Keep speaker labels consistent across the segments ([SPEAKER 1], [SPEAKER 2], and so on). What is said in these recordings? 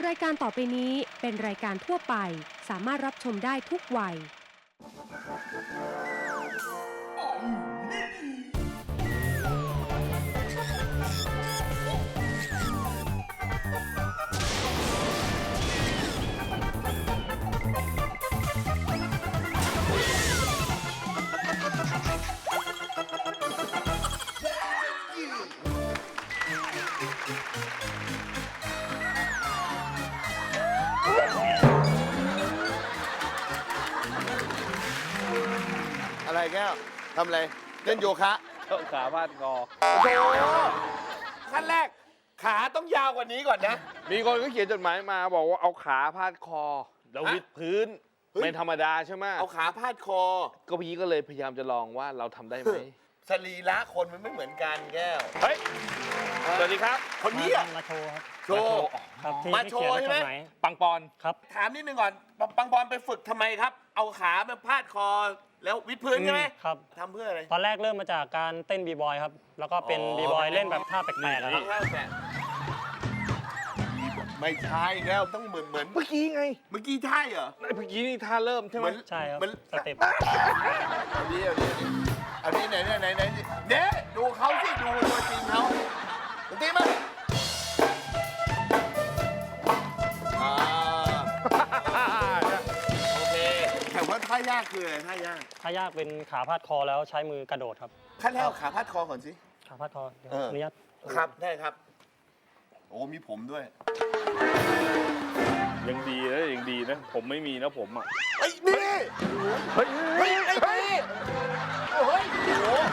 [SPEAKER 1] รายการต่อไปนี้เป็นรายการทั่วไปสามารถรับชมได้ทุกวัย
[SPEAKER 2] อะไรแก้วทำอะไรเล่นโยคะ
[SPEAKER 3] ขาพาดคอ
[SPEAKER 2] โอ้โหขั้นแรกขาต้องยาวกว่านี้ก่อนนะ
[SPEAKER 3] มีคนก็เขียนจดหมายมาบอกว่าเอาขาพาดคอแล้ววิดพื้น
[SPEAKER 2] เฮ้ย
[SPEAKER 3] ไม่ธรรมดาใช่ไหม
[SPEAKER 2] เอาขาพาดคอ
[SPEAKER 3] ก็พี่ก็เลยพยายามจะลองว่าเราทำได้ไหม
[SPEAKER 2] สรีระคนมันไม่เหมือนกันแก้ว
[SPEAKER 3] เฮ้ย สวัสดีครับ
[SPEAKER 2] คนนี้อะ
[SPEAKER 4] มาโชว์ครับ
[SPEAKER 2] โชว์
[SPEAKER 4] ครับที่
[SPEAKER 2] มาโชว์
[SPEAKER 4] ที่เขียน
[SPEAKER 2] ใช่ไหม
[SPEAKER 4] จดาย
[SPEAKER 3] ปังปอน
[SPEAKER 4] ครับ
[SPEAKER 2] ถามนิดนึงก่อนปังบอลไปฝึกทำไมครับ เอาขามาพาดคอแล้ววิดพื้นใช่ไหม
[SPEAKER 4] ครับ
[SPEAKER 2] ทำเพื่ออะไร
[SPEAKER 4] ตอนแรกเริ่มมาจากการเต้นบีบอยครับ แล้วก็เป็นบีบอยเล่นแบบท่าแปลกๆครับ
[SPEAKER 2] ท่าแปลกไม่ใช่แล้วต้องเหมือน
[SPEAKER 3] เมื่อกี้ไง
[SPEAKER 2] เมื่อกี้ใช่เหรอ
[SPEAKER 3] เมื่อกี้นี่ท่าเริ่มใช่ไหม
[SPEAKER 4] ใช่ครับ
[SPEAKER 2] มัน
[SPEAKER 4] สเต็ป
[SPEAKER 2] เอานี้ไหนเด้ดูเขาสิดูตัวจริงเขาตัวจริงมั้ยโอเคแต่ว่าท่ายากคืออะไรท่ายาก
[SPEAKER 4] ท่ายากเป็นขาพาดคอแล้วใช้มือกระโดดครับ
[SPEAKER 2] ขั้นแรกเอาขาพาดคอก่อนสิ
[SPEAKER 4] ขาพาดคอเดี๋ยว
[SPEAKER 2] เออ
[SPEAKER 4] อนุญาต
[SPEAKER 2] ครับได้ครับ โอ้มีผมด้วย
[SPEAKER 3] ยังดีนะยังดีนะผมไม่มีนะผมอ่ะ
[SPEAKER 2] ไอ้นี่
[SPEAKER 3] เฮ้ย
[SPEAKER 2] ไอ้นี่โอ้ยโอ้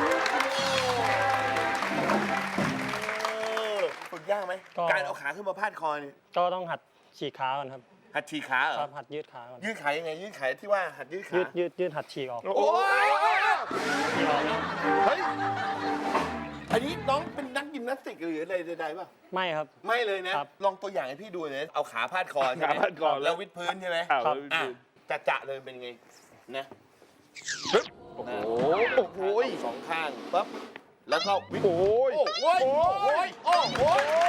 [SPEAKER 2] ฝึกยากไหมการเอาขาขึ้นมาพาดคอนี่
[SPEAKER 4] ก็ต้องหัดฉีกขาก่อนครับ
[SPEAKER 2] หัดฉีกขาเหร
[SPEAKER 4] ครั
[SPEAKER 2] อบ
[SPEAKER 4] หัดยืดขาก่อน
[SPEAKER 2] ยืดขายังไงยืดขาที่ว่าหัดยืดขา
[SPEAKER 4] ยืดหัดฉีกออก
[SPEAKER 2] โอ้ย
[SPEAKER 4] ฉีกออกนี่
[SPEAKER 2] เฮ้ยอันนี้น้องเป็นนักยิมนาสติกหรืออะไรใดๆป่ะ
[SPEAKER 4] ไม่ครับ
[SPEAKER 2] ไม่เลยนะครับ ลองตัวอย่างให้พี่ดูเลยเอาขาพาดคอใช่ไหม
[SPEAKER 3] ขาพาดคอ
[SPEAKER 2] แล้ววิดพื้นใช่ไหม
[SPEAKER 3] อ้าว
[SPEAKER 4] ครับ
[SPEAKER 2] อ่ะจะเลยเป็นไงนะ
[SPEAKER 3] โอ้โห
[SPEAKER 2] โอ้โหสองข้างปั๊บแล้วก็วิด
[SPEAKER 3] โอ้ย
[SPEAKER 2] โอ้โหโอ้ยโอ้โห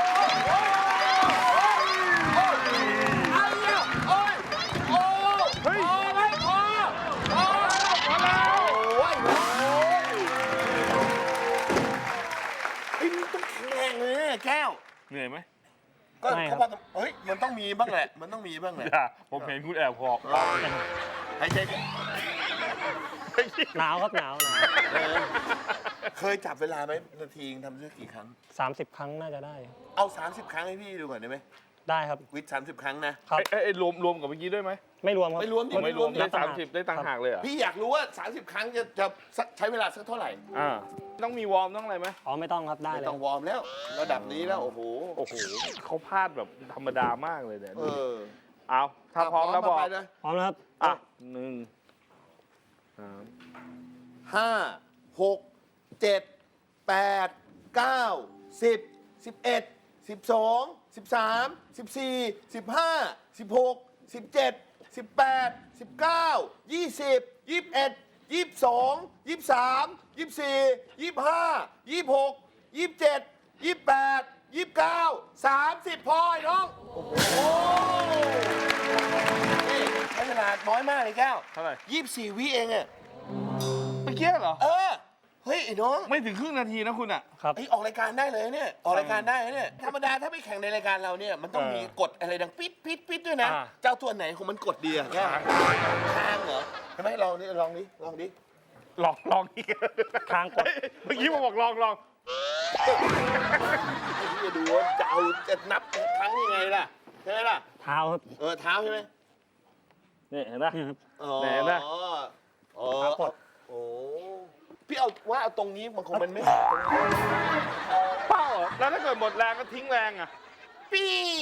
[SPEAKER 2] อะไรอ่ะโอ้ยโอ้เฮ้ยพอไหมพอแล้วโอ้ยไอ้มันต้องแข็งแรงเลยเนี่ยแก้ว
[SPEAKER 3] เหนื่อยไหม
[SPEAKER 2] ก็เขาบอกเฮ้ยมันต้องมีบ้างแหละมันต้องมีบ้างแหละ
[SPEAKER 3] อย่าผมเห็นคุณแอบหอบ
[SPEAKER 2] หายใจ
[SPEAKER 4] หนาวครับหนาว
[SPEAKER 2] เคยจับเวลาไหมนาทีทำได้กี่ครั้ง
[SPEAKER 4] 30 ครั้งน่าจะได้
[SPEAKER 2] เอา 30 ครั้งให้พี่ดูก่อนได้ไหม
[SPEAKER 4] ได้ครับ
[SPEAKER 2] วิด30 ครั้งนะครับ
[SPEAKER 3] ไอ้รวมกับเมื่อกี้ด้วยไหม
[SPEAKER 4] ไม่รวมครับ
[SPEAKER 2] ไม่รวมดิ
[SPEAKER 3] ไม่รวม
[SPEAKER 4] นั
[SPEAKER 3] ได้
[SPEAKER 4] บต่างหาก
[SPEAKER 3] 30ได้ต่างหากเลยเหรอ่ะ
[SPEAKER 2] พี่อยากรู้ว่า 30 ครั้งจะใช้เวลาสักเท่าไหร่
[SPEAKER 3] ต้องมีวอร์มต้องอะไรไหม
[SPEAKER 4] อ๋อไม่ต้องครับได้
[SPEAKER 2] ไม่
[SPEAKER 4] เลย
[SPEAKER 2] ต้องวอร์มแล้ว ระดับนี้แล้ว โอ้โห
[SPEAKER 3] โอ้โหเขาพลาดแบบธรรมดามากเลยเนี่ย
[SPEAKER 2] เออ
[SPEAKER 3] เอาถ้าพร้อมแล้วบอก
[SPEAKER 2] ไปเลย
[SPEAKER 4] พร้อมแล้วครับ
[SPEAKER 3] อ่ะ1 3
[SPEAKER 2] 5 6 7 8 9 10 11 12 13 14 15 16 17 18 19 20 21 22 23 24 25 26 27 28 29 30พอไอ้น้อง โอ้โหนี่ใช้เวลาน้อยมากเลยแก้ว
[SPEAKER 3] เท่าไหร่
[SPEAKER 2] 24 วิเองอะ
[SPEAKER 3] เมื่อกี้เหรอ
[SPEAKER 2] เฮ้ยไอ้น้อง
[SPEAKER 3] ไม่ถึงครึ่งนาทีนะคุณอ่ะ
[SPEAKER 4] ครับ
[SPEAKER 2] ออกรายการได้เลยเนี่ยออกรายการได้เนี่ยธรรมดาถ้าไม่แข่งในรายการเราเนี่ยมันต้องมีกฎอะไรดังปิดปิดปิดด้วยนะ
[SPEAKER 3] อ่า
[SPEAKER 2] เจ้าตัวไหนของมันกดดีอะแค่ทางเหรอใช่ไหมลองดิลองดิ
[SPEAKER 3] ลองอีก
[SPEAKER 4] ค้างกด
[SPEAKER 3] เมื่อกี้ผมบอกลอง
[SPEAKER 2] ไอ้ที่จะดูว่าจะนับครั้งยังไงล่ะใช่ไหมล่ะ
[SPEAKER 4] เท้าครับ
[SPEAKER 2] เท้าใช่ไหม
[SPEAKER 3] นี่เห็นไหม
[SPEAKER 4] นี่ครับ
[SPEAKER 2] อ๋อ
[SPEAKER 3] ไหนนะ
[SPEAKER 2] อ๋อ
[SPEAKER 4] เท้ากด
[SPEAKER 2] โอ้พี่เอาตรงนี้บางคนมันไม่
[SPEAKER 3] เป้าเหรอแล้วถ้าเกิดหมดแรงก็ทิ้งแรงอ่ะ
[SPEAKER 2] ปี้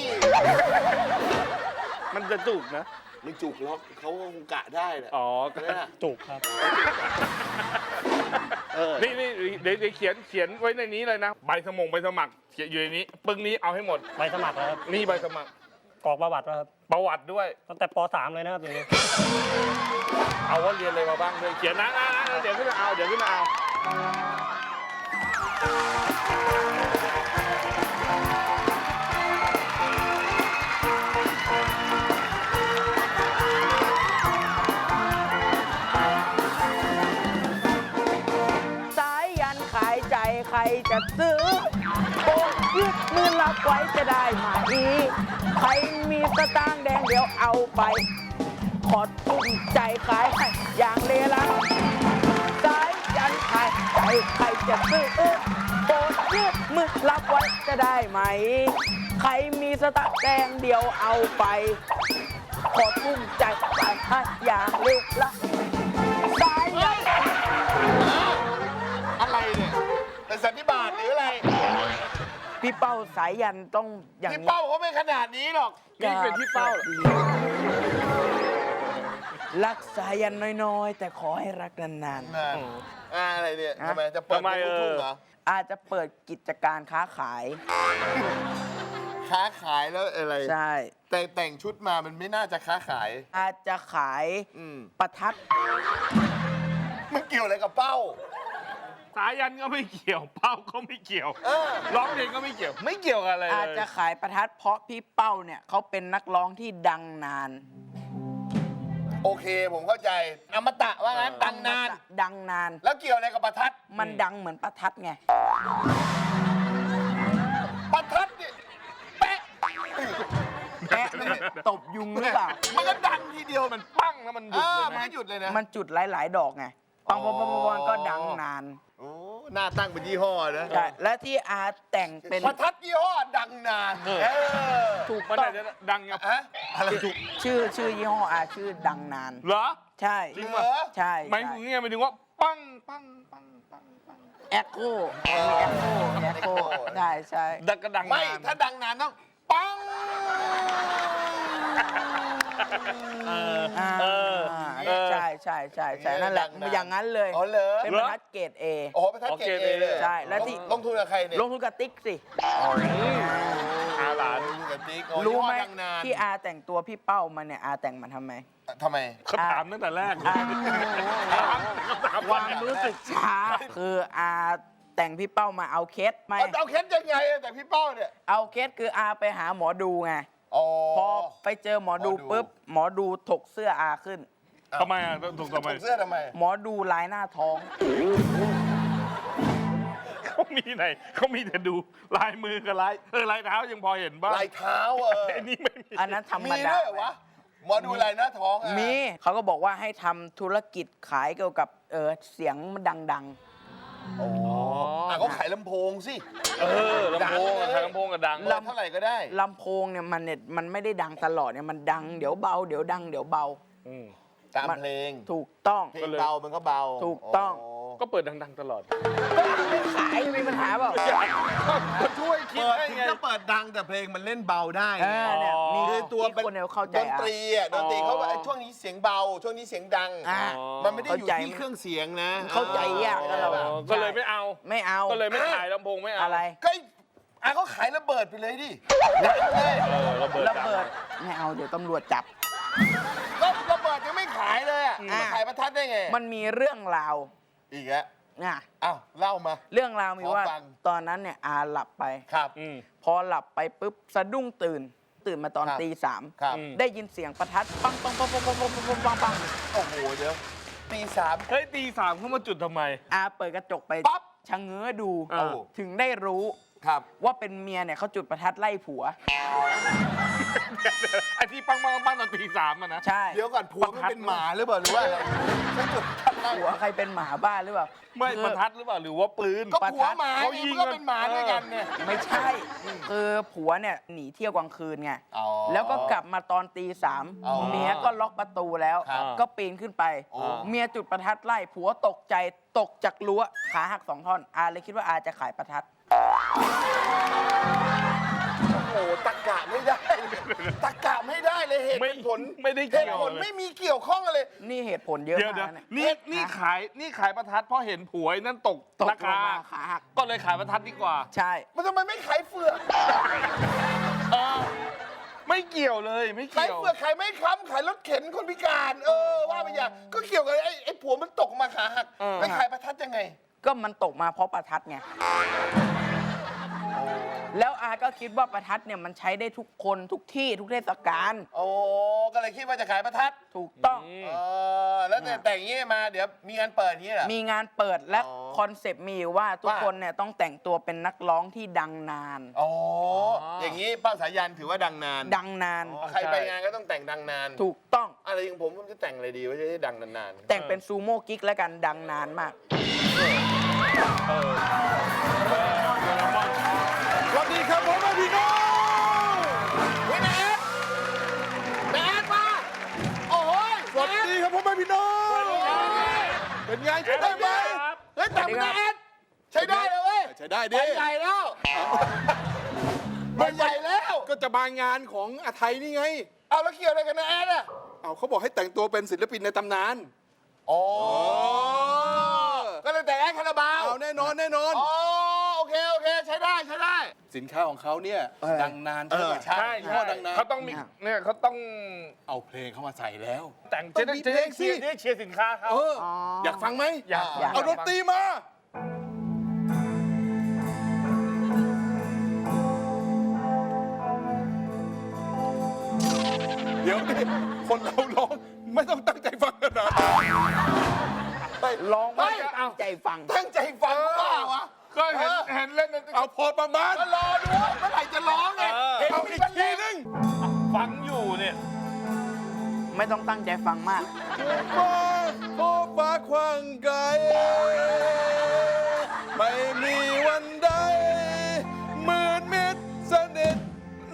[SPEAKER 3] มันจะจุกนะ
[SPEAKER 2] ไม่จุกหรอกเขาคงกะได้แหละ
[SPEAKER 3] อ๋อ
[SPEAKER 2] ใช่ไหมล่ะ
[SPEAKER 4] จุกครับ
[SPEAKER 3] นี่เดี๋ยวเขียนไว้ในนี้เลยนะใบสมัครเขียนอยู่ในนี้ปึ้งนี้เอาให้หมด
[SPEAKER 4] ใบสมัครแล้วครับ
[SPEAKER 3] นี่ใบสมัคร
[SPEAKER 4] กรอกประวัติแล้วครับ
[SPEAKER 3] ประวัติด้วย
[SPEAKER 4] ตั้งแต่ป .3 เลยนะครับอย่างนี้
[SPEAKER 3] เอาว่าเรียนอะไรมาบ้างด้วยเขียนนะเดี๋ยวขึ้นมาเอา
[SPEAKER 5] รจะซื้อโอ้ยืดมือรับไว้จะได้ไหมใครมีสตางค์แดงเดี๋ยวเอาไปขอทุ่มใจขายให้อย่างเลลังสายยันขายใจใครจะซื้อโอ้ยืดมือรับไว้จะได้ไหมใครมีสตางค์แดงเดี๋ยวเอาไปขอทุ่มใจขายให้อย่างเลลังสายยัน
[SPEAKER 2] อะไรเนี่ยเป็นสันนิบาตหรืออะไร
[SPEAKER 5] พี่เป้าสายยันต้องอย่าง
[SPEAKER 2] พี่
[SPEAKER 5] นี้
[SPEAKER 2] เป้าเขาไม่ขนาดนี้หรอก
[SPEAKER 3] นี่เป็นที่เป้า
[SPEAKER 5] รักสายยันน้อยๆ แต่ขอให้รักนาน
[SPEAKER 2] นั่นอะไรเนี่ย
[SPEAKER 5] ฮะ
[SPEAKER 2] ทำไมจะเปิด
[SPEAKER 3] ทำไม
[SPEAKER 2] วงลูกทุ่งเหรอ
[SPEAKER 5] ๆ อาจจะเปิดกิจการค้าขาย
[SPEAKER 2] ค้าขายแล้วอะไร
[SPEAKER 5] ใช่
[SPEAKER 2] แต่งชุดมามันไม่น่าจะค้าขาย
[SPEAKER 5] อาจจะขาย
[SPEAKER 2] อืม
[SPEAKER 5] ประทัด
[SPEAKER 2] มันเกี่ยวอะไรกับเป้า
[SPEAKER 3] สายันก็ไม่เกี่ยวเป้าก็ไม่เกี่ยว
[SPEAKER 2] เออ
[SPEAKER 3] ร้องเพลงก็ไม่เกี่ยว ไม่เกี่ยวกับอะไรเลย
[SPEAKER 5] อาจจะขายประทัดเพราะพี่เป้าเนี่ยเขาเป็นนักร้องที่ดังนาน
[SPEAKER 2] โอเคผมเข้าใจอมตะว่างั้นดังนาน
[SPEAKER 5] ดังนาน
[SPEAKER 2] แล้วเกี่ยวอะไรกับประทัด
[SPEAKER 5] มันดังเหมือนประทัดไง
[SPEAKER 2] ประทัดเนี่ยแป๊ะ
[SPEAKER 5] แกะตบยุงหรือเปล่า
[SPEAKER 2] มันก็ดังทีเดียว
[SPEAKER 3] มันปั้งแล้วมันหยุดเลย
[SPEAKER 2] มัน
[SPEAKER 3] นะ
[SPEAKER 2] ก็หยุดเลยนะ
[SPEAKER 5] มันจุดหลายๆ ดอกไง ปังปังปังปังก็ดังนาน
[SPEAKER 2] โอ้หน้าตั้งเป็นยี่ห้อนะ
[SPEAKER 5] ใช่ และที่อาแต่งเป็น
[SPEAKER 2] ประทัดยี่ห้อดังนานเออ
[SPEAKER 5] ถูก
[SPEAKER 3] มัน
[SPEAKER 5] ต้อ
[SPEAKER 3] อาง จจะดังกับ
[SPEAKER 2] ฮะอะไรถูก
[SPEAKER 5] ชื่อยี่ห้ออาชื่อดังนาน
[SPEAKER 3] เหรอ
[SPEAKER 5] ใช่
[SPEAKER 3] จริง
[SPEAKER 2] เหร
[SPEAKER 3] ป่ะ
[SPEAKER 2] อ
[SPEAKER 5] ใช่
[SPEAKER 3] หมายถึงไงหมายถึงว่าปั้งปั้งปั้งปั้งปั้ง
[SPEAKER 5] แอคโก้มีแอคโก้แอคโก้ใช่ใช่
[SPEAKER 3] ดังก็ดัง
[SPEAKER 2] ไม่
[SPEAKER 3] นาน
[SPEAKER 2] ถ้าดังนานต้องปัง
[SPEAKER 5] อ่า ใช่ใช่ใช่ใช่นั่นแหละ
[SPEAKER 2] ดังนาน
[SPEAKER 5] อย่างนั้นเลย
[SPEAKER 2] อ๋อเหรอ
[SPEAKER 5] เป็นบรรทัดเกรดเอ
[SPEAKER 2] โอ้โหประทัดเกรดเอเลย
[SPEAKER 5] ใช่แล้วที่
[SPEAKER 2] ลงทุนกับใครเนี่ย
[SPEAKER 5] ลงทุนกับติ๊กสิ
[SPEAKER 3] อาหลาน
[SPEAKER 2] ลงทุนกับติ๊กโอ้
[SPEAKER 5] รู้
[SPEAKER 2] ยี่ห้อ
[SPEAKER 5] ไหม
[SPEAKER 2] ดังนาน
[SPEAKER 5] ที่อาแต่งตัวพี่เป้ามาเนี่ยอาแต่งมาทำไม
[SPEAKER 2] ทำไม
[SPEAKER 3] เขาถามตั้งแต่แรก
[SPEAKER 5] อา
[SPEAKER 3] ถาม
[SPEAKER 5] ความรู้สึกช้า คืออาแต่งพี่เป้ามาเอาเคสไหม
[SPEAKER 2] เอาเคสยังไงอะแต่พี่เป้าเนี่ย
[SPEAKER 5] เอาเคสคืออาไปหาหมอดูไง
[SPEAKER 2] อ๋อ
[SPEAKER 5] พอไปเจอหมอดู
[SPEAKER 2] หมอดู
[SPEAKER 5] ปุ๊บหมอดูถกเสื้ออาขึ้น
[SPEAKER 3] ทำไมอ่ะถูกทำไม
[SPEAKER 2] ถกเสื้อทำไม
[SPEAKER 5] หมอดูลายหน้าท้อง
[SPEAKER 3] เขามีไหนเขามีแต่ดูลายมือกับลายลายเท้ายังพอเห็นบ้าง
[SPEAKER 2] ลายเท้า
[SPEAKER 3] ไอ้นี่ไม่มี
[SPEAKER 5] อันนั้นธรรม
[SPEAKER 2] มี
[SPEAKER 5] ดา
[SPEAKER 2] ด้วยเหรอวะหมอดูลายหน้าท้องอะ
[SPEAKER 5] มีเขาก็บอกว่าให้ทำธุรกิจขายเกี่ยวกับเสียงดัง
[SPEAKER 2] โอ้เขาขายลำโพงสิ
[SPEAKER 3] ลำโพงอะขายลำโพงกับดัง
[SPEAKER 2] เปิดเท่าไหร่ก็ได้
[SPEAKER 5] ๆลำโพงเนี่ยมันไม่ได้ดังตลอดเนี่ยมันดังเดี๋ยวเบาเดี๋ยวดังเดี๋ยวเบา
[SPEAKER 2] ตามเพลง
[SPEAKER 5] ถูกต้อง
[SPEAKER 2] เพลงเบามันก็เบา
[SPEAKER 5] ถูกต้อง
[SPEAKER 3] ก็เปิดดังๆตลอด
[SPEAKER 5] ไม่ขายมีปัญหาเปล่า
[SPEAKER 3] ก็ช่วยคิด
[SPEAKER 2] เปิด
[SPEAKER 3] ให้
[SPEAKER 2] ถึง
[SPEAKER 3] ไง
[SPEAKER 2] จะเปิดดังแต่เพลงมันเล่นเบาได้
[SPEAKER 5] เอ
[SPEAKER 2] ไง
[SPEAKER 5] อเนี่ยมี
[SPEAKER 2] คือตัว
[SPEAKER 5] ที่คนเนี่ยเข้าใจ
[SPEAKER 2] ดนตรีอะดนตรีเขาว่า
[SPEAKER 3] อ๋อ
[SPEAKER 2] ไอ้ช่วงนี้เสียงเบา ช่วงนี้เสียงดัง
[SPEAKER 5] อ่า
[SPEAKER 2] มันไม่ได้อยู่
[SPEAKER 5] เข้าใจ
[SPEAKER 2] ที่เครื่องเสียงนะ
[SPEAKER 5] เข้าใจยากนะเราอะ
[SPEAKER 3] ก็เลยไม่เอา
[SPEAKER 5] ไม่เอา
[SPEAKER 3] ก็เลยไม่ขายลำโพงไม่เอา
[SPEAKER 5] อะไร
[SPEAKER 2] ก็เขาขายระเบิดไปเลยดิดังเลย
[SPEAKER 3] ระเบิด
[SPEAKER 5] ระเบิดไม่เอาเดี๋ยวตำรวจจับ
[SPEAKER 2] ก็ระเบิดยังไม่ขายเลยอะ
[SPEAKER 5] อ่า
[SPEAKER 2] ขายประทัดได้ไง
[SPEAKER 5] มันมีเรื่องราว
[SPEAKER 2] อีกแล้ว
[SPEAKER 5] นะ
[SPEAKER 2] อ้าวเล่ามา
[SPEAKER 5] เรื่องราวมีว่า
[SPEAKER 2] ขอฟัง
[SPEAKER 5] ตอนนั้นเนี่ยอาหลับไป
[SPEAKER 2] ครับ
[SPEAKER 5] พอหลับไปปุ๊บสะดุ้งตื่นมาตอน
[SPEAKER 2] ครับ
[SPEAKER 5] ตี
[SPEAKER 2] ครับ
[SPEAKER 5] 3ได้ยินเสียงประทัดปังปังปังปังปังปังปังปังปังปัง
[SPEAKER 2] โอ้โหเดี๋ยวตีสาม
[SPEAKER 3] เฮ้ยตีสามเข้ามาจุดทำไม
[SPEAKER 5] อาเปิดกระจกไป
[SPEAKER 2] ปั๊บ
[SPEAKER 5] ชะเง้อดู
[SPEAKER 3] เออ
[SPEAKER 5] ถึงได้รู้
[SPEAKER 2] ครับ
[SPEAKER 5] ว่าเป็นเมียเนี่ยเขาจุดประทัดไล่ผัว
[SPEAKER 3] ไอ้ที่ปังปังปังตอนตีสามอะนะ
[SPEAKER 5] ใช่
[SPEAKER 2] เดี๋ยวก่อนผัวมันเป็นหมาหรือเปล่าหรือว่าอะไรฉันจุดประทัดไล่
[SPEAKER 5] ผัวใครเป็นหมาบ้าหรือเปล่า
[SPEAKER 3] ไม่
[SPEAKER 5] คือ
[SPEAKER 3] ประทัดหรือเปล่าหรือว่าปืน
[SPEAKER 2] ก็ผัวหมา
[SPEAKER 3] เขา
[SPEAKER 2] ไง
[SPEAKER 3] ยิง
[SPEAKER 2] มันก็เป็นหมาด้วยกันเนี่ย
[SPEAKER 5] ไม่ใช่ คือผัวเนี่ยหนีเที่ยวกลางคืนไง
[SPEAKER 2] อ๋อ
[SPEAKER 5] แล้วก็กลับมาตอนตี
[SPEAKER 2] อ๋อ
[SPEAKER 5] 3เมียก็ล็อกประตูแล้ว
[SPEAKER 2] ครับ
[SPEAKER 5] ก็ปีนขึ้นไป
[SPEAKER 2] โอ้
[SPEAKER 5] เมียจุดประทัดไล่ผัวตกใจตกจากรั้วขาหัก2 ท่อนอาเลยคิดว่าอาจะขายประทัด
[SPEAKER 2] โอ้โหตะกะไม่ได้ตะกะไม่ได้เลยเหตุ
[SPEAKER 3] ไม่
[SPEAKER 2] เป็นผล
[SPEAKER 3] ไม่ได้
[SPEAKER 2] เห
[SPEAKER 3] เกี่
[SPEAKER 2] ตุ
[SPEAKER 3] ยว
[SPEAKER 2] ผล
[SPEAKER 3] เลย
[SPEAKER 2] ไม่มีเกี่ยวข้องอะไร
[SPEAKER 5] นี่เหตุผลเยอะ
[SPEAKER 3] เดี๋ยว
[SPEAKER 5] มาก
[SPEAKER 3] นี่
[SPEAKER 5] เนี่ย
[SPEAKER 3] นี่ขายประทัดเพราะเห็นผัวไอ้นั่นตก
[SPEAKER 5] ตก
[SPEAKER 3] รา
[SPEAKER 5] ลง
[SPEAKER 3] คา
[SPEAKER 5] มาขาหัก
[SPEAKER 3] ก็เลยขายประทัดดีกว่า
[SPEAKER 5] ใช่
[SPEAKER 2] มันทำไมไม่ขายเฟือก
[SPEAKER 3] ไม่เกี่ยวเลยไม่
[SPEAKER 2] ขาย
[SPEAKER 3] เกี่ยว
[SPEAKER 2] เฟือกขายไม่ค้ำขายรถเข็นคนพิการ ว่าไปอย่างก็เกี่ยวกับไอ้ผัวมันตกมาขาหัก
[SPEAKER 3] เออ
[SPEAKER 2] ไม่ขายประทัดยังไง
[SPEAKER 5] ก็มันตกมาเพราะประทัดไง
[SPEAKER 2] อ๋อ
[SPEAKER 5] แล้วอาก็คิดว่าประทัดเนี่ยมันใช้ได้ทุกคนทุกที่ทุกเทศกาล
[SPEAKER 2] โอ้ก็เลยคิดว่าจะขายประทัด
[SPEAKER 5] ถูกต้อง
[SPEAKER 2] แล้วแต่งอย่างนี้มาเดี๋ยวมีงานเปิดอย่างนี้เหรอ
[SPEAKER 5] มีงานเปิดและ
[SPEAKER 2] อ๋อ
[SPEAKER 5] คอนเซปต์มีอยู่ว่าทุก
[SPEAKER 2] ว่า
[SPEAKER 5] คนเนี่ยต้องแต่งตัวเป็นนักร้องที่ดังนาน
[SPEAKER 2] อ๋ออย่างนี้ป้าสายันถือว่าดังนาน
[SPEAKER 5] ดังนาน
[SPEAKER 2] ใครไปงานก็ต้องแต่งดังนาน
[SPEAKER 5] ถูกต้อง
[SPEAKER 2] อะไรอย่างผมจะแต่งอะไรดีว่าจะได้ดังนานๆ
[SPEAKER 5] แต่งเป็นซูโม่กิ๊กแล้วกันดังนานมาก
[SPEAKER 6] สวัสดีครับผมแม่พี่น้อง
[SPEAKER 2] เฮ้ยแมทแมทมาโอ้โห
[SPEAKER 6] สวัสดีครับผมแม่พี่น้องเป็นไงใช้ได้ไหม
[SPEAKER 2] เฮ้ยแต่งแมทใช้ได้เลยเว้ย
[SPEAKER 6] ใช้ได้
[SPEAKER 2] ไป
[SPEAKER 6] ดิ
[SPEAKER 2] ใหญ่แล้วไปใหญ่แล้ว
[SPEAKER 6] ก็จะมางานของอาไทยนี่ไง
[SPEAKER 2] เอาแล้วเกี่ยวอะไรกันนะแอดอ่ะ
[SPEAKER 6] เอาเขาบอกให้แต่งตัวเป็นศิลปินในตำนาน
[SPEAKER 2] อ๋อก็เลยแต่งแอดคาราบาว
[SPEAKER 6] เอาแน่นอนแน่นอน
[SPEAKER 2] อ๋อโอเคใช้ได้ใช้ได้
[SPEAKER 6] สินค้าของเขาเนี่ยดังนานใช่ไหม
[SPEAKER 2] ใช่
[SPEAKER 6] ยี่ห้อดังนาน
[SPEAKER 3] เขาต้องมีเนี่ยเขาต้อง
[SPEAKER 6] เอาเพลงเข้ามาใส่แล้ว
[SPEAKER 3] แต่ง
[SPEAKER 6] ต้องมีเพลงสิ
[SPEAKER 3] จะได้เชียร์สินค้าเขา
[SPEAKER 6] อยากฟังไหม
[SPEAKER 3] อยาก
[SPEAKER 5] อยาก
[SPEAKER 6] เอาดนตรีมา เดี๋ยวนี่คนเราร้องไม่ต้องตั้งใจฟังขนาดนั้น
[SPEAKER 5] ร้องไม่ตั้งใจฟัง
[SPEAKER 2] ตั้งใจฟังว่าวะ
[SPEAKER 3] ก็เห็นเล่น
[SPEAKER 6] เอาพอประมาณ
[SPEAKER 2] ก็รอดูว่าเมื่อไหร่จะร้องไงเห็น
[SPEAKER 6] เอา
[SPEAKER 2] มี
[SPEAKER 6] อีก
[SPEAKER 2] บรรเล
[SPEAKER 6] ที
[SPEAKER 2] ง
[SPEAKER 6] นึง
[SPEAKER 3] ฟังอยู่เนี่ย
[SPEAKER 5] ไม่ต้องตั้งใจฟังมาก
[SPEAKER 6] ฟ้าโอ้ฟ้าคว้างไกลไม่มีวันใดมืดมิดสนิท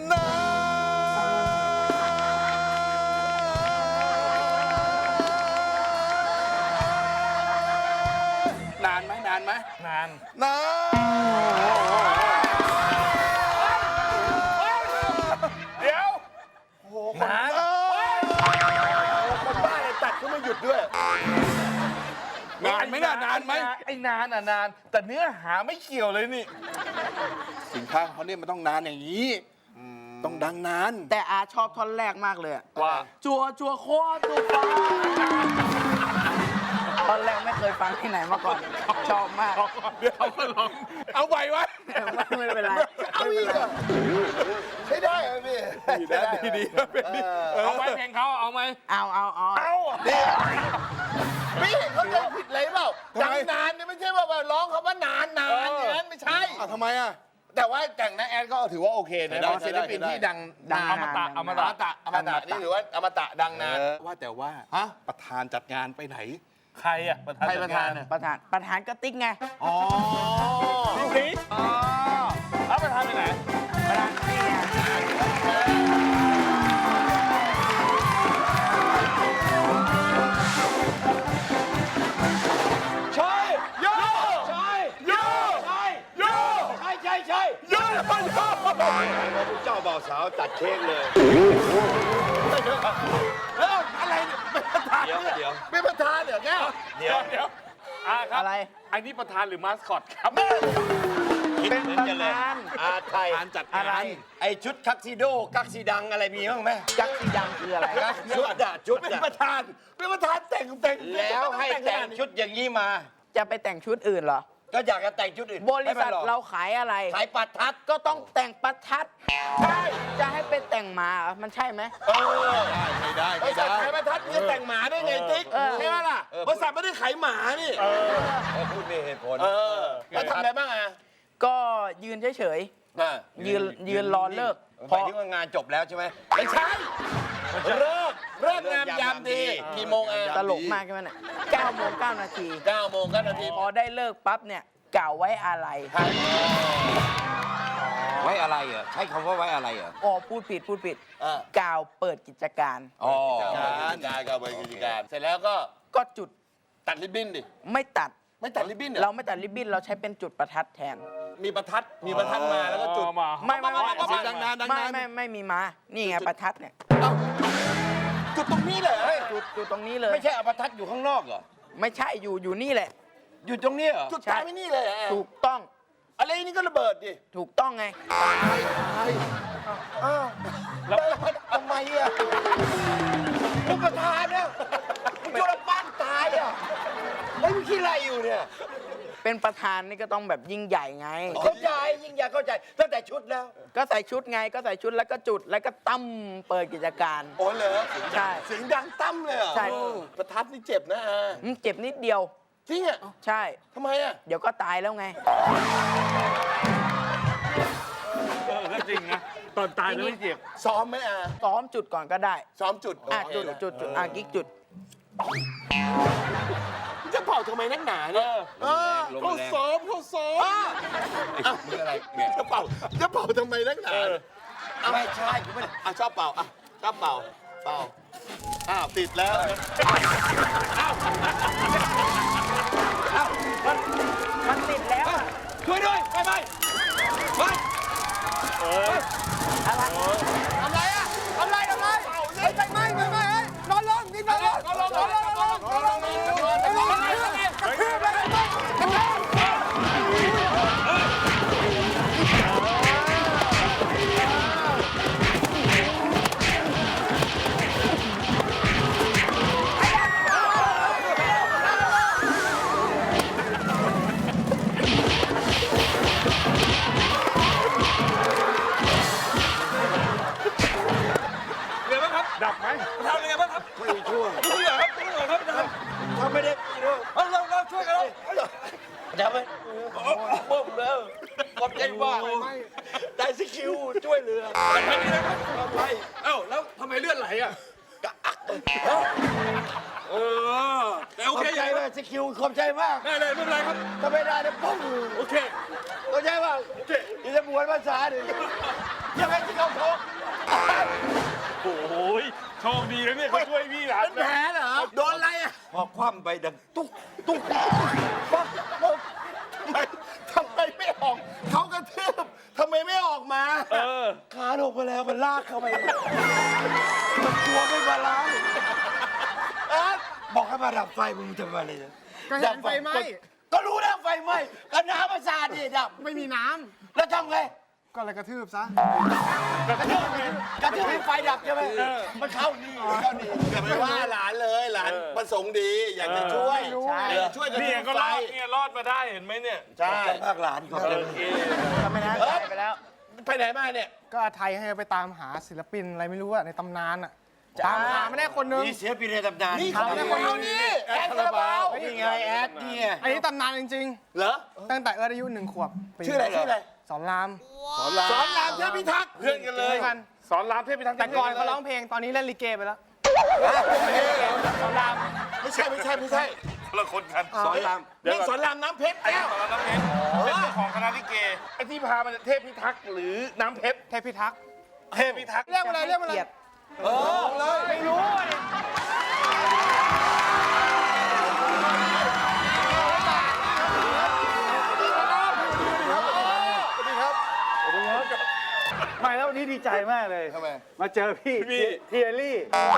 [SPEAKER 6] นานไหมนานไหม
[SPEAKER 3] นาน
[SPEAKER 6] นาน
[SPEAKER 3] เดี๋ยว
[SPEAKER 2] นานคนบ้าเลยตัดก็ไม่หยุดด้วย
[SPEAKER 6] นานไหมน่ะนานไหม
[SPEAKER 3] ไอ้นานอ่ะนาน แต่เนื้อหาไม่เกี่ยวเลยนี่
[SPEAKER 6] สินค้าของเขาเนี่ยมันต้องนานอย่างนี้ ต้องดังนาน
[SPEAKER 5] แต่อาชอบท่อนแรกมากเลยอะ
[SPEAKER 3] ว่า
[SPEAKER 5] จัวโคจัวฟ้าท่อนแรกไม่เคยฟังที่ไหนมาก่อน ชอบมาก
[SPEAKER 3] เดี๋ยวก็ลอง
[SPEAKER 6] เอาไหววะ
[SPEAKER 5] ไม่เป็นไร
[SPEAKER 2] เอาอีกเหรอใช้ได้เหรอพี่
[SPEAKER 6] ดีนะดีนะเป็นดี
[SPEAKER 3] เอาไหมเพลงเขาเอาไหม
[SPEAKER 5] เอา
[SPEAKER 2] พี่เขาใจผิดเลยเปล่าดังนานเนี่ยไม่ใช่ว่าร้องเขาว่านานอย่างนั้นไม่ใช่
[SPEAKER 6] เอาทำไมอ่ะ
[SPEAKER 2] แต่ว่าแต่งนะแอดก็ถือว่าโอเคนะ
[SPEAKER 6] ใช้ได้
[SPEAKER 2] เป็นศิลปิน
[SPEAKER 6] ใช้ได้
[SPEAKER 2] ที่ดัง
[SPEAKER 5] ดัง
[SPEAKER 2] นาน
[SPEAKER 5] นาน
[SPEAKER 3] อมตะ
[SPEAKER 2] อมตะนี่ถือว่าอมตะดังนาน
[SPEAKER 6] ว่าแต่ว่า
[SPEAKER 2] ฮะ
[SPEAKER 6] ประธานจัดงานไปไหน
[SPEAKER 3] ใครอ่ะประธาน
[SPEAKER 2] ใครประธานอะ
[SPEAKER 5] ประธานกระติกไง
[SPEAKER 2] อ๋อ
[SPEAKER 3] นี่เอาประธานไปไหน
[SPEAKER 5] ประธานนี่ไง
[SPEAKER 2] ใช่โยใช่โยใช่โยใช่
[SPEAKER 6] โ
[SPEAKER 2] ใช่
[SPEAKER 6] ยนไปโย
[SPEAKER 2] เจ้าบ่าวสาวตัดเค้กเลยแล้วอะไรเนี่ยเป็นประธานเหรอแก้ว
[SPEAKER 3] เดี๋ยวครับ
[SPEAKER 5] อะไร
[SPEAKER 3] อันนี้ประธานหรือมาสคอตครับ
[SPEAKER 5] เป็นประธาน
[SPEAKER 2] อาไทย
[SPEAKER 6] ประธานจัด
[SPEAKER 5] อะไร
[SPEAKER 6] งาน
[SPEAKER 2] ไอชุดคักซิโดกักซีดังอะไรมีบ้างไหม
[SPEAKER 5] จักรีดังคืออะไร
[SPEAKER 2] ชุดเป็นประธานแต่งแล้วให้แต่งชุดอย่างนี้มา
[SPEAKER 5] จะไปแต่งชุดอื่นเหรอ
[SPEAKER 2] ก็อยากจะแต่งชุดอื่น
[SPEAKER 5] บริษัทเราขายอะไร
[SPEAKER 2] ขายปัดทัด
[SPEAKER 5] ก็ต้องแต่งประทัด ใช่ จะให้ไปแต่งหมาเหรอมันใช่ไหม
[SPEAKER 6] ไม่ได้
[SPEAKER 2] บริษัทขายประทัดจะแต่งหมาได้ไงติ๊กใช่ไหมล่ะบริษัทไม่ได้ขายหมานี่
[SPEAKER 7] พูดมีเหตุผล
[SPEAKER 2] แล้วทำอะไรบ้างอ่ะ
[SPEAKER 5] ก็ยืนเฉยๆยืนรอเลิก
[SPEAKER 7] หมายถึงว่างานจบแล้วใช่ไหม
[SPEAKER 2] ไม่ใช่เลิกงามยามดีกี่โมงอ่ะ
[SPEAKER 5] ตลกมากใช่ไหมเนี่ย9 โมง 9 นาที
[SPEAKER 2] 9 โมง9 นาที
[SPEAKER 5] พอได้เลิกปั๊บเนี่ยกล่าวไว้อะไร
[SPEAKER 7] ไว้อะไรเหรอใช้คำว่าไว้อะไรเหรอ
[SPEAKER 5] อ๋อพูดผิดกล่าวเปิดกิจการ
[SPEAKER 7] อ๋อ
[SPEAKER 2] การก็บริการ เสร็จแล้วก็
[SPEAKER 5] ก็จุด
[SPEAKER 2] ตัดริบบิ้นดิ
[SPEAKER 5] ไม่ตัด
[SPEAKER 2] ไม่ตัดริบบิ้นเหร
[SPEAKER 5] เรา
[SPEAKER 2] อ
[SPEAKER 5] ไม่ตัดริบบิ้นเราใช้เป็นจุดประทัดแทน
[SPEAKER 2] มีประทัดมาแล้วก็จุด
[SPEAKER 3] มา
[SPEAKER 5] ไม่
[SPEAKER 6] เสียงดังนานดัง
[SPEAKER 5] ไม่
[SPEAKER 6] นาน
[SPEAKER 5] ไม่มีมา นี่ไงประทัดเนี่ย
[SPEAKER 2] จุดตรงนี้เลย
[SPEAKER 5] จุดตรงนี้เลย
[SPEAKER 7] ไม่ใช่เอาประทัดอยู่ข้างนอกเหรอ
[SPEAKER 5] ไม่ใช่อยู่นี่แหละ
[SPEAKER 7] อยู่ตรงนี้เหรอ
[SPEAKER 2] จุดตายไม่นี่เลย
[SPEAKER 5] ถูกต้อง
[SPEAKER 2] อะไรนี่ก็ระเบิดดิ
[SPEAKER 5] ถูกต้องไง
[SPEAKER 2] แล้วทำไมอ่ะผู้ประธานเนี่ยมึงจุดปั้นตายอ่ะ
[SPEAKER 7] เฮ้ยมึงคิดอะไรอยู่เนี่ย
[SPEAKER 5] เป็นประธานนี่ก็ต้องแบบยิ่งใหญ่ไง
[SPEAKER 7] เข้าใจยิ่งอยากเข้าใจตั้งแต่ชุดแล้ว
[SPEAKER 5] ก็ใส่ชุดไงก็ใส่ชุดแล้วก็จุดแล้วก็ตั้มเปิดกิจการ
[SPEAKER 2] โอ้เหรอ
[SPEAKER 5] ใช่
[SPEAKER 2] เสียงดังตั้มเลยเหรอ
[SPEAKER 5] ใช่
[SPEAKER 2] ประทัดนี่เจ็บนะอา
[SPEAKER 5] เจ็บนิดเดียว
[SPEAKER 2] จริงอ่ะ
[SPEAKER 5] ใช่
[SPEAKER 2] ทำไมอ่ะ
[SPEAKER 5] เดี๋ยวก็ตายแล้วไง
[SPEAKER 3] ก็จริงนะ ตอนตายแล้วไม่เจ็บ
[SPEAKER 2] ซ้อมไหมอา
[SPEAKER 5] ซ้อมจุดก่อนก็ได้
[SPEAKER 2] ซ้อมจุด
[SPEAKER 5] จุดกิ๊กจุด
[SPEAKER 2] จะเป่าทำไมนักหนาเนี่ยเขาซ้อมเขาซ้อม
[SPEAKER 7] มึงอะไรเนี่ย
[SPEAKER 2] จะเป่าทำไมนักหนา
[SPEAKER 7] ไม่ใช่กูไม่ได้
[SPEAKER 2] ชอบเป่าชอบเป่าอ้าวติดแล้ว
[SPEAKER 5] มันติดแล้วอะ
[SPEAKER 7] ช่วยด้วยไปไป
[SPEAKER 5] อะไร
[SPEAKER 2] ทำไรอ่ะทำไรเฮ้ยไปไหมนอนลงนี่นอนลง
[SPEAKER 3] ดับไหม
[SPEAKER 7] ทำยังไงบ้างครับไม่ช่วยช่วยครับทำไม่ได้เราช่วยกันแล้วทำไหมเบิ่มแล้วขอบใจมากได้สกิลช่วยเหลือไม่ได้นะครับไปเอ้าแล้วทำไมเลือดไหลอ่ะแต่โอเคใจเลยสกิลขอบใจมากได้เลยไม่เป็นไรครับถ้าไม่ได้เนี่ยปุ้งโอเคเข้าใจป่ะโอเคนี่จะบวชภาษาดิยังไงที่เขาโทษ
[SPEAKER 3] โอ้ยโชคดีนะเนี่ยเขาช่วยพี่หลาน
[SPEAKER 2] เป็นแผลเหรอโดนอะไรอ่ะ
[SPEAKER 7] พอคว่ำไปดังตุ๊ก
[SPEAKER 2] ทำไมไม่ออกเขากระทืบทำไมไม่ออกมา
[SPEAKER 7] ขาลงไปแล้วมันลากเข้าไปมันกลัวไม่บาลานซ์บอกให้มาดับไฟมึงจะมาอะไรเนี่ย
[SPEAKER 2] ก็เห็นไฟไหม้
[SPEAKER 7] ก็รู้แล้วไฟไหม้ก็น้ำประสาทดิดับ
[SPEAKER 2] ไม่มีน้
[SPEAKER 7] แล้วทำไง
[SPEAKER 2] ำก็เลยกระทืบซะ
[SPEAKER 7] กระทืบให้ไฟดับใช่ไหมมันเข้านี่เข้านี่
[SPEAKER 2] อย่าไปว่าหลานเลยหลานประสงค์ดีอยากจะช่วย
[SPEAKER 5] ใช่
[SPEAKER 2] อยากจะช่วยกระ
[SPEAKER 3] นี่
[SPEAKER 2] ทืบ
[SPEAKER 3] ก็
[SPEAKER 2] ไฟ
[SPEAKER 3] รอดเนี่ยรอดมาได้เห็นไหมเนี่ย
[SPEAKER 2] ใช่
[SPEAKER 7] ภาคหลานขอบใจ
[SPEAKER 3] โอเค
[SPEAKER 5] ทำไมนะตายไปแล้ว
[SPEAKER 2] ไปไหนมาเนี่ย
[SPEAKER 8] ก็อาไทยให้ไปตามหาศิลปินอะไรไม่รู้อะในตำนานอะตามหาไม่ได้คนนึง
[SPEAKER 7] นี่เสียปีในตำนาน
[SPEAKER 2] นี่เขาเป็นคนเอานี่แอดคาราบาว
[SPEAKER 7] นี่ไงแอดนี่ไง
[SPEAKER 8] อันนี้ตำนานจริง
[SPEAKER 2] เหรอ
[SPEAKER 8] ๆ ตั้งแต่เอิร์ธอายุ1 ขวบปี
[SPEAKER 2] ชื่ออะไรชื่ออะไร
[SPEAKER 8] สอนราม
[SPEAKER 2] สอนรามเทพิทักษ์
[SPEAKER 3] เพื่อนกันเลย
[SPEAKER 8] กัน
[SPEAKER 3] สอนรามเทพพิทักษ์
[SPEAKER 8] แต่ก่อนเขาร้องเพลงตอนนี้เล่นลิเกไปแล้ว
[SPEAKER 2] สอนรามไม่ใช่
[SPEAKER 3] คนละคนกัน
[SPEAKER 7] สอนราม
[SPEAKER 2] นี่สอนรามน้ำเพชร
[SPEAKER 3] ไอ้
[SPEAKER 2] แก้ว
[SPEAKER 3] สอนรามน้ำเพชรเป็นเจ้าของคณะลิเกไอ้ที่พามาจากเทพพิทักษ์หรือน้ำเพชร
[SPEAKER 8] เทพพิทักษ์
[SPEAKER 3] เทพพิทักษ์
[SPEAKER 8] เรียกมาเลยเรียกมาเลย
[SPEAKER 5] ไม่รู้อะดิ
[SPEAKER 9] ไม่แล้ววันนี้ดีใจมากเลยทำไมมาเจอพี่เทียรี่
[SPEAKER 10] โอ้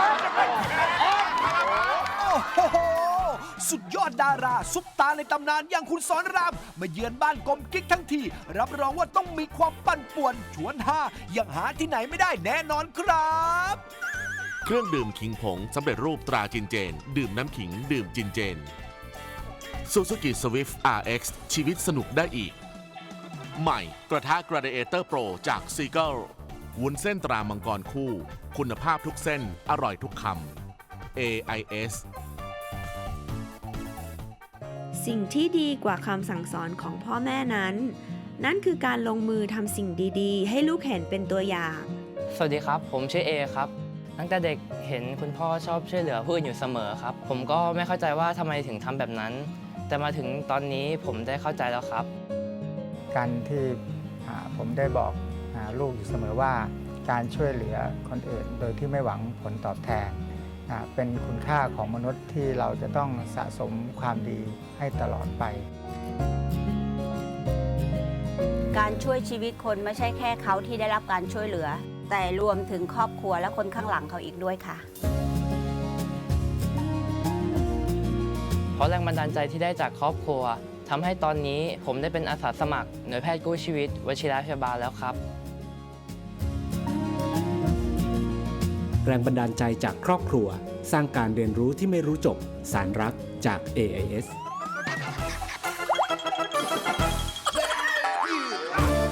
[SPEAKER 10] โห สุดยอดดารา ซุปตาในตำนานอย่างคุณสอนราม มาเยือนบ้านกลมกิ๊กทั้งที รับรองว่าต้องมีความปั่นป่วน ชวนฮาอย่างหาที่ไหนไม่ได้แน่นอนครับ
[SPEAKER 11] เครื่องดื่มขิงผงสำเร็จรูปตราจินเจน ดื่มน้ำขิงดื่มจินเจน Suzuki Swift RX ชีวิตสนุกได้อีก ใหม่กระทะ Gladiator Pro จาก Seagull วุ้นเส้นตรามังกรคู่ คุณภาพทุกเส้นอร่อยทุกคำ AIS
[SPEAKER 12] สิ่งที่ดีกว่าคำสั่งสอนของพ่อแม่นั้น นั่นคือการลงมือทำสิ่งดีๆ ให้ลูกเห็นเป็นตัวอย่าง
[SPEAKER 4] สวัสดีครับ ผมชื่อเอครับ ตั้งแต่เด็กเห็นคุณพ่อชอบช่วยเหลือผู้อื่นอยู่เสมอครับ ผมก็ไม่เข้าใจว่าทำไมถึงทำแบบนั้น แต่มาถึงตอนนี้ผมได้เข้าใจแล้วครับ
[SPEAKER 9] การที่ผมได้บอกลูกอยู่เสมอว่าการช่วยเหลือคนอื่น โดยที่ไม่หวังผลตอบแทนเป็นคุณค่าของมนุษย์ที่เราจะต้องสะสมความดีให้ตลอดไป
[SPEAKER 13] การช่วยชีวิตคนไม่ใช่แค่เขาที่ได้รับการช่วยเหลือ แต่รวมถึงครอบครัวและคนข้างหลังเขาอีกด้วยค่ะ
[SPEAKER 4] เพราะแรงบันดาลใจที่ได้จากครอบครัวทำให้ตอนนี้ผมได้เป็นอาสาสมัครหน่วยแพทย์กู้ชีวิตวชิระพยาบาลแล้วครับ
[SPEAKER 14] แรงบันดาลใจจากครอบครัว สร้างการเรียนรู้ที่ไม่รู้จบ สารรักจาก AIS